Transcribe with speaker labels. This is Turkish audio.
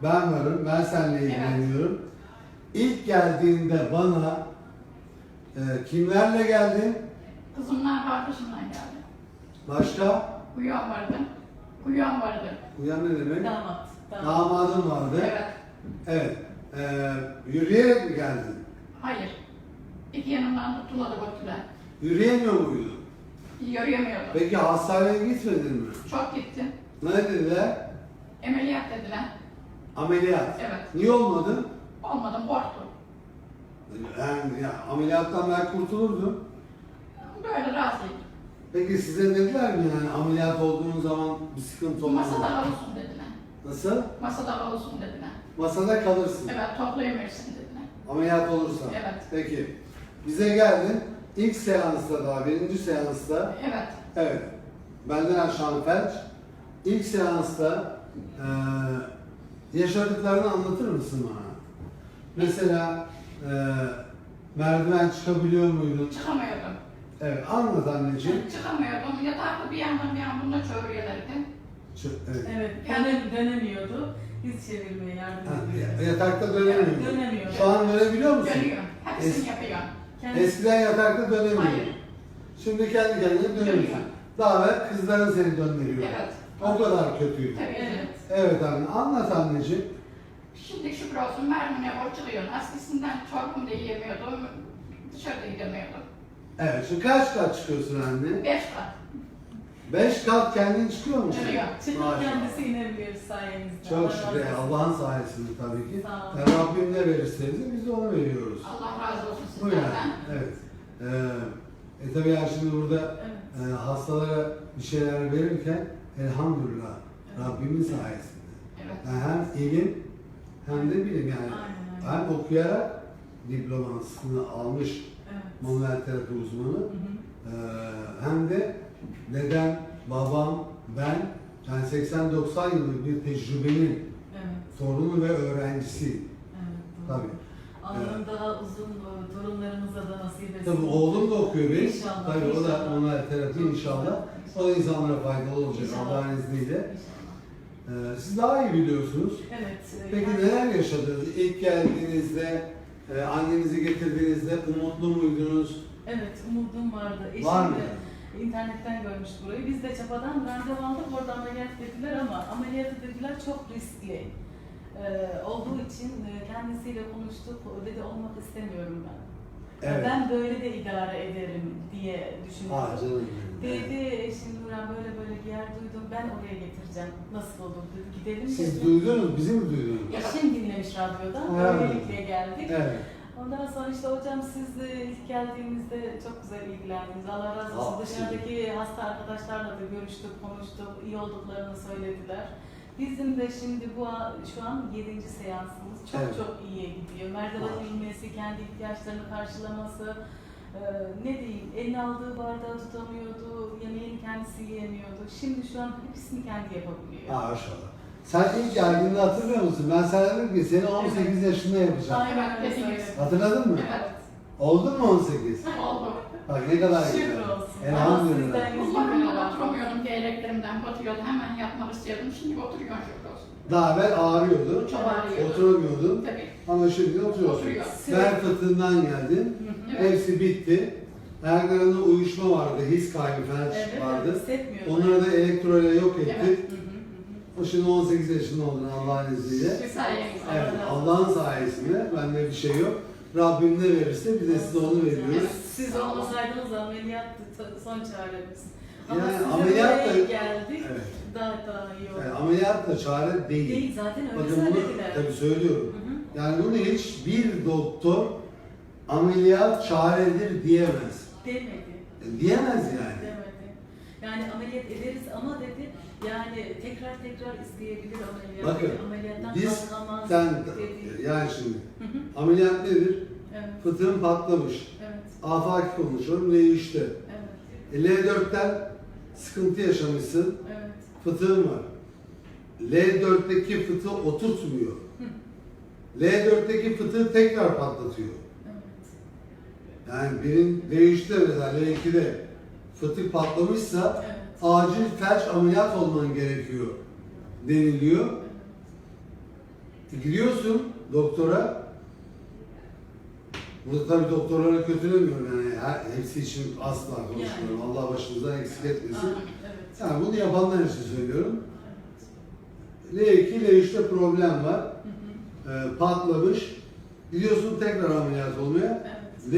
Speaker 1: Ben varım, ben seninle ilgileniyorum. İlk geldiğinde bana kimlerle geldin?
Speaker 2: Kızımla kardeşimle geldi.
Speaker 1: Başka?
Speaker 2: Kuyan vardı. Kuyan vardı.
Speaker 1: Uyan ne demek?
Speaker 3: Damat.
Speaker 1: Damadın vardı.
Speaker 2: Evet.
Speaker 1: Evet. Yürüyerek mi geldin?
Speaker 2: Hayır. İki yanımdan tutuladı götürdüler.
Speaker 1: Yürüyemiyor muydun?
Speaker 2: Yürüyemiyordum.
Speaker 1: Peki hastaneye gitmedin mi?
Speaker 2: Çok gittim.
Speaker 1: Ne dediler?
Speaker 2: Ameliyat dediler.
Speaker 1: Ameliyat.
Speaker 2: Evet.
Speaker 1: Niye olmadın?
Speaker 2: Olmadım, korktum.
Speaker 1: Yani ya, ameliyattan ben kurtulurdum.
Speaker 2: Böyle razıyım.
Speaker 1: Peki size dediler mi yani ameliyat olduğun zaman bir sıkıntı olmaz?
Speaker 2: Masada kalırsın dediler.
Speaker 1: Nasıl?
Speaker 2: Masada kalırsın dediler.
Speaker 1: Masada kalırsın.
Speaker 2: Evet, toplayıverirsin dediler.
Speaker 1: Ameliyat olursa.
Speaker 2: Evet.
Speaker 1: Peki. Bize geldin. İlk seansta daha, birinci seansta.
Speaker 2: Evet.
Speaker 1: Evet. Benden aşağı felç. İlk seansta yaşadıklarını anlatır mısın bana? Mesela merdiven çıkabiliyor muydun?
Speaker 2: Çıkamıyordum.
Speaker 1: Evet. Anlat anneciğim.
Speaker 2: Çıkamıyordum. Yatakta bir yandan bir yandan da çeviriyorlardı.
Speaker 1: Evet.
Speaker 3: Evet, dönemiyordu. Biz çevirmeye yardım
Speaker 1: Ha,
Speaker 3: ediyoruz.
Speaker 1: yatakta dönemiyordu.
Speaker 3: Dönemiyor.
Speaker 1: Şu an dönebiliyor musun?
Speaker 2: Dönüyor. Hepsini yapıyor.
Speaker 1: Eskiden yatakta dönemiyor.
Speaker 2: Hayır.
Speaker 1: Şimdi kendi kendine dönüyorsun.
Speaker 2: Dönüyor.
Speaker 1: Daha evvel kızların seni döndürüyor.
Speaker 2: Evet.
Speaker 1: O kadar kötüydü.
Speaker 2: Tabii.
Speaker 3: Evet.
Speaker 1: Evet anne. Anlat anneciğim.
Speaker 2: Şimdi şükür olsun mermine borçluyum. Eskisinden çorbamı da yiyemiyordum. Dışarıda gidemiyordum.
Speaker 1: Evet. Şimdi kaç kat çıkıyorsun anne?
Speaker 2: 5 kat.
Speaker 1: 5 kat kendin çıkıyor musun?
Speaker 2: Çıkıyor.
Speaker 3: Çıkıp
Speaker 1: Maşallah.
Speaker 3: kendisi inebiliyor sayenizde.
Speaker 1: Çok
Speaker 3: Allah
Speaker 1: şükür.
Speaker 3: razı olsun.
Speaker 1: Allah'ın sayesinde tabii ki.
Speaker 3: Sağ olun.
Speaker 1: Yani Rabbim ne verirse bize biz de onu veriyoruz.
Speaker 2: Allah razı olsun
Speaker 1: Bu yani.
Speaker 2: sizlerden.
Speaker 1: Evet. Tabii yani şimdi burada
Speaker 3: Evet.
Speaker 1: hastalara bir şeyler verirken elhamdülillah
Speaker 3: Evet.
Speaker 1: Rabbimin sayesinde.
Speaker 2: Evet.
Speaker 1: Yani hem ilim hem de bilim yani.
Speaker 3: Aynen.
Speaker 1: Hem okuyarak diplomasını almış
Speaker 3: Evet.
Speaker 1: manuel terapi uzmanı
Speaker 3: Hı hı.
Speaker 1: hem de dedem, babam, ben yani 80-90 yıllık bir tecrübenin
Speaker 3: Evet.
Speaker 1: torunu ve öğrencisiyim.
Speaker 3: Evet. Doğru.
Speaker 1: Tabii.
Speaker 3: Allah'ım daha uzun torunlarımıza da nasip etsin.
Speaker 1: Tabii oğlum da okuyor benim.
Speaker 3: İnşallah,
Speaker 1: Tabii o da
Speaker 3: inşallah.
Speaker 1: manuel terapi
Speaker 3: Çok
Speaker 1: inşallah.
Speaker 3: güzel,
Speaker 1: O da insanlara faydalı olacak
Speaker 3: İnşallah.
Speaker 1: Allah'ın izniyle.
Speaker 3: İnşallah.
Speaker 1: Siz daha iyi biliyorsunuz.
Speaker 3: Evet.
Speaker 1: Peki neler yaşadınız? İlk geldiğinizde, annenizi getirdiğinizde umutlu muydunuz?
Speaker 3: Evet, umudum vardı. Eşim
Speaker 1: Var mı?
Speaker 3: de internetten görmüş burayı. Biz de çapadan randevu aldık, orada ameliyat dediler ama ameliyatı dediler çok riskli. Olduğu için kendisiyle konuştuk, dedi olmak istemiyorum ben.
Speaker 1: Evet.
Speaker 3: Ben böyle de idare ederim diye düşünüyorum.
Speaker 1: Canım.
Speaker 3: Dedi eşim Nurhan böyle böyle bir yer duydum, ben oraya getireceğim. Nasıl olur dedi, gidelim
Speaker 1: Siz
Speaker 3: dedi.
Speaker 1: duydunuz, bizi mi duydunuz?
Speaker 3: Eşim dinlemiş radyodan,
Speaker 1: Evet.
Speaker 3: böylelikle geldik.
Speaker 1: Evet.
Speaker 3: Ondan sonra işte hocam siz de ilk geldiğimizde çok güzel ilgilendiniz. Allah razı olsun.
Speaker 1: Aa,
Speaker 3: Dışarıdaki hasta arkadaşlarla da görüştük, konuştuk. İyi olduklarını söylediler. Bizim de şimdi şu an 7. seansımız. Çok
Speaker 1: Evet.
Speaker 3: çok iyiye gidiyor. Merdiven inmesi, kendi ihtiyaçlarını karşılaması. Ne diyeyim, eline aldığı bardağı tutamıyordu, yemeğini kendisi yiyemiyordu. Şimdi şu an hepsini kendi yapabiliyor.
Speaker 1: Maşallah. Sen ilk geldiğinde hatırlıyor musun? Ben sana dedim ki seni 18 yaşında yapacağım.
Speaker 3: Aynen öyle
Speaker 2: Evet,
Speaker 3: söyledim.
Speaker 1: Hatırladın mı?
Speaker 2: Evet.
Speaker 1: Oldun mu 18?
Speaker 2: Oldu.
Speaker 1: Bak ne kadar
Speaker 3: Şükür
Speaker 1: güzel.
Speaker 3: olsun.
Speaker 1: Elhamdülillah.
Speaker 3: Ama sizden
Speaker 2: Uzmanımdan oturamıyordum, gereklerimden batıyordu. Hemen yatmak istiyordum. Şimdi oturuyorum şükür olsun.
Speaker 1: Daha evvel ağrıyordu.
Speaker 2: Çok ağrıyordu.
Speaker 1: Oturamıyordun.
Speaker 2: Tabii.
Speaker 1: Ama şimdi oturuyorsun.
Speaker 2: Oturuyor.
Speaker 1: Bel fıtığından geldin.
Speaker 2: Evet.
Speaker 1: Hepsi bitti. Ayaklarında uyuşma vardı, his kaybı, felç
Speaker 3: Evet,
Speaker 1: vardı.
Speaker 3: hissetmiyorum.
Speaker 1: Onları da elektroyla yok ettik.
Speaker 2: Evet.
Speaker 1: O şimdi 18 yaşında oldun Allah'ın izniyle.
Speaker 2: Sayenizde.
Speaker 1: Evet, Allah'ın sayesinde. Bende bir şey yok. Rabbim ne verirse biz de size onu veriyoruz.
Speaker 3: Siz olmasaydınız ameliyat son çaremiz. Ama
Speaker 1: Yani
Speaker 3: size
Speaker 1: ameliyat
Speaker 3: buraya
Speaker 1: da-
Speaker 3: geldik.
Speaker 1: Evet.
Speaker 3: Daha iyi oldu.
Speaker 1: Yani ameliyat da çare değil.
Speaker 3: Değil zaten öyle
Speaker 1: Bakın bunu
Speaker 3: söylediler.
Speaker 1: tabii söylüyorum.
Speaker 3: Hı hı.
Speaker 1: Yani bunu hiçbir doktor ameliyat çaredir diyemez.
Speaker 3: Demedi.
Speaker 1: Diyemez yani.
Speaker 3: Demedi. Yani ameliyat ederiz ama dedi yani tekrar isteyebilir ameliyat.
Speaker 1: Bakın
Speaker 3: ameliyattan
Speaker 1: biz
Speaker 3: kalkamaz
Speaker 1: sen
Speaker 3: dedi.
Speaker 1: yani şimdi
Speaker 3: Hı hı.
Speaker 1: ameliyat nedir?
Speaker 3: Evet.
Speaker 1: Fıtığın patlamış.
Speaker 3: Evet.
Speaker 1: Afaki konuşuyorum L3'te.
Speaker 3: Evet.
Speaker 1: L4'ten sıkıntı yaşamışsın.
Speaker 3: Evet.
Speaker 1: Fıtığın var. L4'teki fıtığı oturtmuyor. L4'teki fıtığı tekrar patlatıyor.
Speaker 3: Evet.
Speaker 1: Yani benim L3'te mesela L2'de fıtık patlamışsa
Speaker 3: Evet.
Speaker 1: acil felç ameliyat olman gerekiyor deniliyor. Gidiyorsun doktora. Burada tabii doktorları kötülemiyorum yani hepsi için asla konuşmuyorum. Allah başınızdan eksik etmesin.
Speaker 3: Evet.
Speaker 1: Yani bunu yapanlar için söylüyorum. L2, L3'te problem var. Patlamış. Gidiyorsun tekrar ameliyat olmaya.